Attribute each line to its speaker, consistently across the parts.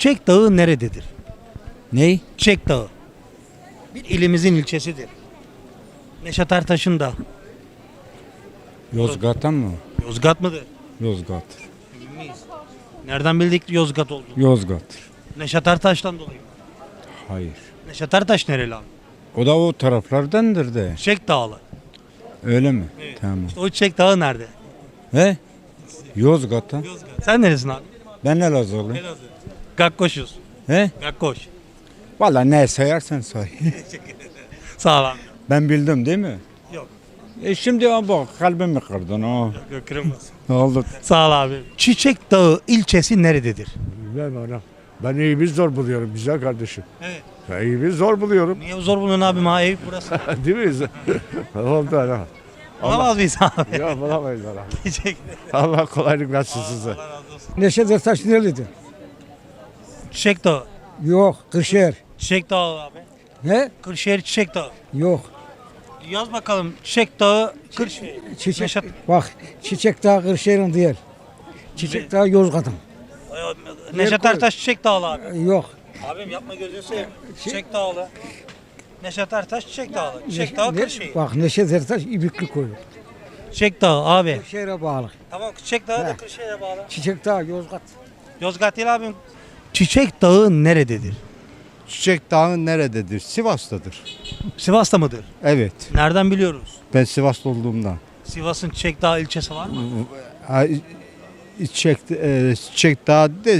Speaker 1: Çiçek Dağı nerededir?
Speaker 2: Ney?
Speaker 1: Çiçek Dağı. Bir ilimizin ilçesidir. Neşet Ertaş'ın da.
Speaker 2: Yozgat'tan mı?
Speaker 1: Yozgat mıdır?
Speaker 2: Yozgat'tır.
Speaker 1: Emin miyiz? Nereden bildik Yozgat olduğunu?
Speaker 2: Yozgat'tır.
Speaker 1: Neşet Ertaş'tan dolayı mı?
Speaker 2: Hayır.
Speaker 1: Neşet Ertaş nereli abi?
Speaker 2: O da o taraflardandır de.
Speaker 1: Çiçek Dağlı.
Speaker 2: Öyle mi?
Speaker 1: Evet.
Speaker 2: Tamam.
Speaker 1: O Çiçek Dağı nerede?
Speaker 2: He? Yozgat'tan.
Speaker 1: Yozgat. Sen neresin abi?
Speaker 2: Ben Elazığlıyım.
Speaker 1: Elazığ. Gakkoş'uz.
Speaker 2: He?
Speaker 1: Gakkoş.
Speaker 2: Valla ne sayarsan say.
Speaker 1: Sağ ol abi.
Speaker 2: Ben bildim değil mi?
Speaker 1: Yok.
Speaker 2: Şimdi bak kalbimi kırdın o.
Speaker 1: Yok kırılmaz.
Speaker 2: Ne oldu?
Speaker 1: Sağ ol abi. Çiçek Dağı ilçesi nerededir?
Speaker 3: Bilmem anam. Ben iyi zor buluyorum güzel kardeşim.
Speaker 1: Evet.
Speaker 3: Ben iyi zor buluyorum.
Speaker 1: Niye zor buluyorsun abi? Ma ev burası.
Speaker 3: Değil mi? Oldu ana.
Speaker 1: Bulamaz mıyız abi?
Speaker 3: Yok bulamayız ana.
Speaker 1: Teşekkür ederim.
Speaker 3: Allah kolaylık versin size.
Speaker 1: Allah razı olsun.
Speaker 4: Neşet Ertaş nerelidir?
Speaker 1: Çiçek Dağı.
Speaker 4: Yok, Kırşehir.
Speaker 1: Çiçek Dağı abi.
Speaker 4: Ne?
Speaker 1: Kırşehir Çiçek Dağı.
Speaker 4: Yok.
Speaker 1: Yaz bakalım. Çiçek Dağı Kırşehir.
Speaker 4: Çiçek,
Speaker 1: Neşet-
Speaker 4: bak, Çiçek Dağı Kırşehir'in değil. Çiçek Dağı Yozgat'ın.
Speaker 1: Neşet
Speaker 4: koy.
Speaker 1: Ertaş Çiçek Dağlı abi.
Speaker 4: Yok.
Speaker 1: Abim yapma gözünü seveyim. Çiçek Dağlı. Neşet Ertaş Çiçek Dağlı. Çiçek Dağı Kırşehir.
Speaker 4: Bak, Neşet Ertaş İbikli koyu.
Speaker 1: Çiçek Dağı abi.
Speaker 4: Kırşehir'e bağlı.
Speaker 1: Tamam Çiçek Dağı da
Speaker 4: He.
Speaker 1: Kırşehir'e bağlı.
Speaker 4: Çiçek Dağı Yozgat.
Speaker 1: Yozgat değil abim. Çiçek Dağı nerededir?
Speaker 5: Çiçek Dağı nerededir? Sivas'tadır.
Speaker 1: Sivas'ta mıdır?
Speaker 5: Evet.
Speaker 1: Nereden biliyoruz?
Speaker 5: Ben Sivaslı olduğumdan.
Speaker 1: Sivas'ın Çiçek Dağı ilçesi var mı?
Speaker 5: Çiçek Dağı de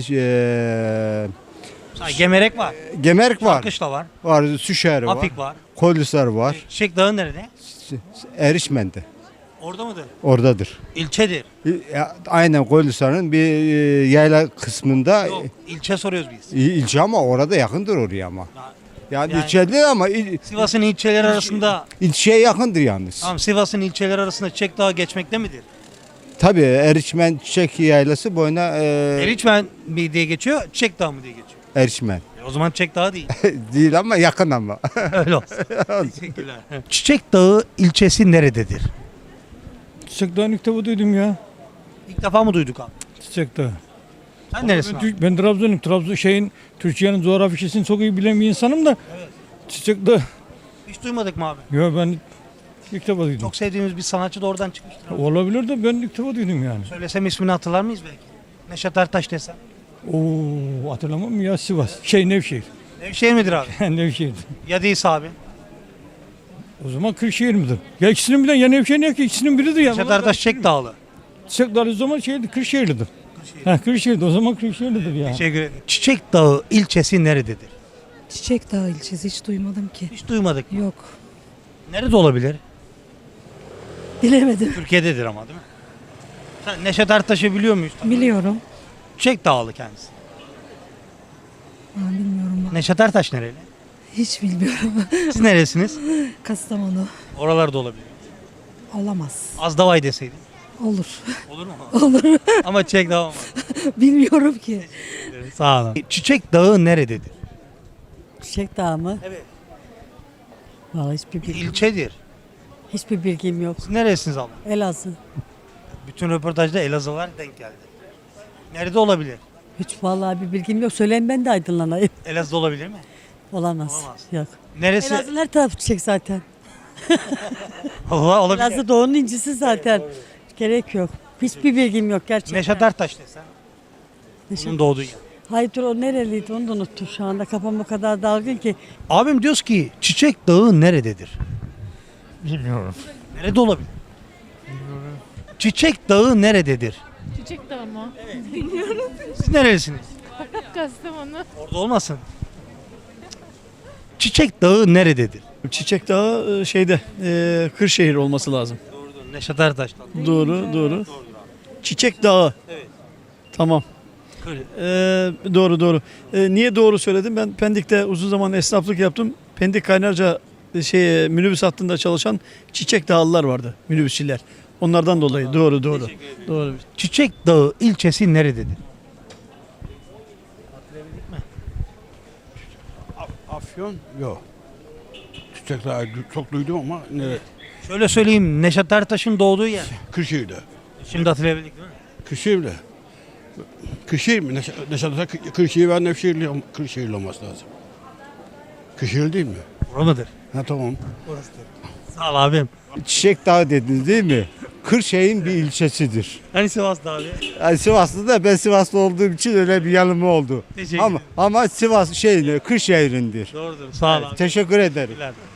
Speaker 1: Gemerek var.
Speaker 5: Gemerk var.
Speaker 1: Kışla var.
Speaker 5: Var. Süşehir var.
Speaker 1: Afik var.
Speaker 5: Kolisar var.
Speaker 1: Çiçek Dağı nerede?
Speaker 5: Erişmen'de.
Speaker 1: Orada mıdır?
Speaker 5: Oradadır.
Speaker 1: İlçedir.
Speaker 5: Aynen Kolisar'ın bir yayla kısmında
Speaker 1: Yok, ilçe soruyoruz biz.
Speaker 5: ilçe ama orada yakındır oraya ama. Yani,
Speaker 1: Yani-
Speaker 5: ilçe değil ama
Speaker 1: Sivas'ın ilçeleri arasında,
Speaker 5: ilçeye yakındır yalnız.
Speaker 1: tamam Sivas'ın ilçeleri arasında Çiçek Dağı geçmekte midir?
Speaker 5: Tabii Erişmen Çiçek Yaylası boyuna
Speaker 1: Eriçmen mi diye geçiyor, Çiçek Dağı mı diye geçiyor?
Speaker 5: Erişmen.
Speaker 1: O zaman Çiçek Dağı değil.
Speaker 5: Değil ama yakın ama.
Speaker 1: Öyle olsun. Teşekkürler. Çiçek Dağı ilçesi nerededir?
Speaker 6: Çiçek Dağı'nın ilk defa duydum ya.
Speaker 1: İlk defa mı duyduk abi?
Speaker 6: Çiçek Dağı.
Speaker 1: Sen neresin abi?
Speaker 6: Ben Trabzon'um. Türkiye'nin coğrafyasını çok iyi bilen bir insanım da. Çiçek Dağı.
Speaker 1: Hiç duymadık mı abi?
Speaker 6: Ya ben ilk defa duydum.
Speaker 1: Çok sevdiğimiz bir sanatçı da oradan çıkmıştır. abi.
Speaker 6: Olabilir de ben ilk defa duydum yani.
Speaker 1: Söylesem ismini hatırlar mıyız belki? Neşet Ertaş desem.
Speaker 6: Oo, hatırlamam mı ya Sivas. Nevşehir.
Speaker 1: Nevşehir midir abi?
Speaker 6: Nevşehir.
Speaker 1: Ya değilse abi.
Speaker 6: O zaman Kırşehir midir? Ya ikisinin bilen ya Nevşehir ya ki ikisinin biridir ya.
Speaker 1: Neşet Ertaş Çiçek Dağlı.
Speaker 6: Çiçek Dağı o zaman Kırşehirlidir. Ha Kırşehir'de o zaman Kırşehirlidir ya.
Speaker 1: Teşekkür ederim. Çiçek Dağı ilçesi nerededir?
Speaker 7: Çiçek Dağı ilçesi hiç duymadım ki.
Speaker 1: Hiç duymadık.
Speaker 7: Yok.
Speaker 1: Nerede olabilir?
Speaker 7: Bilemedim.
Speaker 1: Türkiye'dedir ama değil mi? Sen Neşet Ertaş'ı biliyor muyuz?
Speaker 7: Biliyorum.
Speaker 1: Çiçek Dağlı kendisi.
Speaker 7: Bilmiyorum.
Speaker 1: Neşet Ertaş nereli?
Speaker 7: Hiç bilmiyorum.
Speaker 1: Siz neresiniz?
Speaker 7: Kastamonu.
Speaker 1: Oralarda olabilir.
Speaker 7: Olamaz.
Speaker 1: Azdavay deseydin.
Speaker 7: Olur.
Speaker 1: Olur mu?
Speaker 7: Olur.
Speaker 1: Ama Çiçek Dağı olmaz.
Speaker 7: Bilmiyorum ki.
Speaker 1: Sağ olun. Çiçek Dağı nerededir?
Speaker 8: Çiçek Dağı mı?
Speaker 1: Evet.
Speaker 8: Vallahi
Speaker 1: İlçedir.
Speaker 8: hiçbir bilgim yok.
Speaker 1: Siz neresiniz abla?
Speaker 8: Elazığ.
Speaker 1: Bütün röportajda Elazığlar denk geldi. Nerede olabilir?
Speaker 8: Hiç vallahi bir bilgim yok. Söyleyin ben de aydınlanayım.
Speaker 1: Elazığ olabilir mi?
Speaker 8: Olamaz.
Speaker 1: Olamaz.
Speaker 8: Yok.
Speaker 1: Neresi?
Speaker 8: Elazığ her tarafı çiçek zaten.
Speaker 1: Allah olabilir.
Speaker 8: Elazığ doğunun incisi zaten. Gerek yok. Hiçbir bilgim yok gerçekten.
Speaker 1: Neşet Ertaş desen.
Speaker 8: Neşet-
Speaker 1: Onun doğduğu yer.
Speaker 8: Hayır dur o nereliydi onu da unuttum şu anda. Kafam o kadar dalgın ki.
Speaker 1: Abim diyoruz ki Çiçek Dağı nerededir?
Speaker 6: Bilmiyorum.
Speaker 1: Nerede olabilir? Çiçek Dağı nerededir?
Speaker 9: Çiçek Dağı mı?
Speaker 1: Siz nerelisiniz?
Speaker 9: Kastamonu.
Speaker 1: Orada olmasın. Çiçek Dağı nerededir?
Speaker 10: Çiçek Dağı Kırşehir olması lazım.
Speaker 1: Doğru. Neşet Ertaş'tan.
Speaker 10: Doğru. Çiçek Dağı.
Speaker 1: Evet.
Speaker 10: Tamam.
Speaker 1: Kır.
Speaker 10: Doğru. Niye doğru söyledim? Ben Pendik'te uzun zaman esnaflık yaptım. Pendik Kaynarca minibüs hattında çalışan Çiçek Dağlılar vardı. Minibüsçiler. Onlardan dolayı. Doğru.
Speaker 1: Çiçek Dağı ilçesi nerededir?
Speaker 11: Afyon yok. Çiçek Dağı çok duydum ama ne?
Speaker 1: Şöyle söyleyeyim, Neşet Ertaş'ın doğduğu yer.
Speaker 11: Kırşehir'de.
Speaker 1: Şimdi hatırlayabildik değil mi?
Speaker 11: Kırşehir'de. Kırşehir mi? Neşet Ertaş Kırşehir ve Kırşehirli olması lazım. Kırşehir değil mi?
Speaker 1: Bura mıdır?
Speaker 11: Ha tamam.
Speaker 1: Sağ ol abim.
Speaker 5: Çiçek Dağı dediniz değil mi? Kırşehir'in bir ilçesidir.
Speaker 1: Hani Sivas'ta abi?
Speaker 5: Yani Sivaslı da ben Sivaslı olduğum için öyle bir yanılma oldu.
Speaker 1: Teşekkür
Speaker 5: Ama Sivas Kırşehir'indir.
Speaker 1: Doğrudur. Sağ ol abi.
Speaker 5: Teşekkür ederim.
Speaker 1: Teşekkürler.